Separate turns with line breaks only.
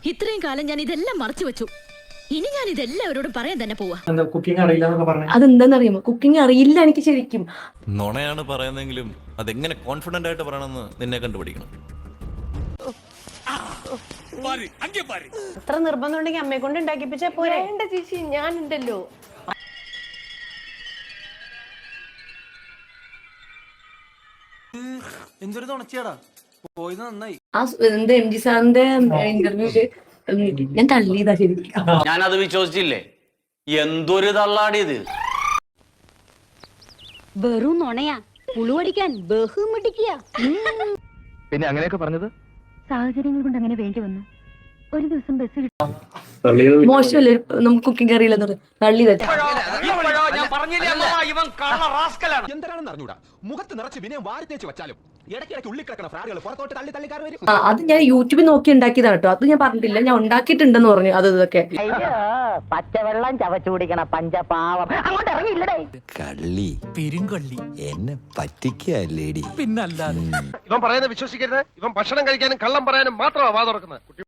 ഇത്രയും കാലം ഞാൻ ഇതെല്ലാം മറച്ചു വെച്ചു. ഇനി ഞാൻ ഇതെല്ലാവരോടും പറയാൻ തന്നെ പോവാ.
കുക്കിംഗ് അറിയില്ല എന്നൊക്കെ പറഞ്ഞു.
അതെന്താന്നറിയാമോ? കുക്കിംഗ് അറിയില്ല എനിക്ക് ശരിക്കും.
നുണയാണ് പറയുന്നെങ്കിലും അതെങ്ങനെ കോൺഫിഡന്റ് ആയിട്ട് പറയണമെന്ന് നിന്നെ കണ്ടുപിടിക്കണം.
അത്ര നിർബന്ധം ഉണ്ടെങ്കിൽ അമ്മയെ കൊണ്ട് ഉണ്ടാക്കിപ്പിച്ചാ പോരെ?
വേണ്ട ചേച്ചി, ഞാൻ ഉണ്ടല്ലോ.
എന്തൊരു തുണച്ചിയാടാ, പോയത് നന്നായി.
ആ എന്താ എം ജി സാറിന്റെ ഇന്റർവ്യൂല് ഞാൻ തള്ളിയതാ ശരിക്കും.
ഞാനത് വിശ്വസിച്ചില്ലേ. എന്തൊരു തള്ളാടിയത്.
വെറും നുണയാ, പുളുവടിക്കാൻ ബഹുമിടിക്കുക.
പിന്നെ അങ്ങനെയൊക്കെ പറഞ്ഞത്
സാഹചര്യങ്ങൾ കൊണ്ട് അങ്ങനെ വേണ്ടി വന്നു. ഒരു ദിവസം ബസ്
മോശമല്ലേ നമുക്ക് കുക്കിംഗ് അറിയില്ലെന്ന് പറഞ്ഞു തള്ളിയതാ.
എന്താണെന്ന് അറിഞ്ഞൂടാ, മുഖത്ത് നിറച്ച് വിനയം വാരി തേച്ച് വെച്ചാലും ഇടയ്ക്കിടയ്ക്ക് ഉള്ളിക്കിടക്കണ ഫ്രാഡുകൾ പുറത്തോട്ട് തള്ളി തള്ളിക്കാർ വരും.
അത് ഞാൻ യൂട്യൂബിൽ നോക്കി ഉണ്ടാക്കിയതാണ് കേട്ടോ. അത് ഞാൻ പറഞ്ഞിട്ടില്ല, ഞാൻ ഉണ്ടാക്കിയിട്ടുണ്ടെന്ന് പറഞ്ഞു. അത് ഇതൊക്കെ
പച്ചവെള്ളം ചവച്ചു കുടിക്കണ പഞ്ചപാവം അങ്ങോട്ട് ഇറങ്ങിയില്ലടേ.
കള്ളി
പെരുങ്കള്ളി
എന്നെ പറ്റിക്കല്ലേടി.
പിന്നല്ലാതെ.
ഇവൻ പറയുന്നത് വിശ്വസിക്കരുത്. ഇവൻ ഭക്ഷണം കഴിക്കാനും കള്ളം പറയാനും മാത്രമാണ് വാ തുറക്കുന്നത്.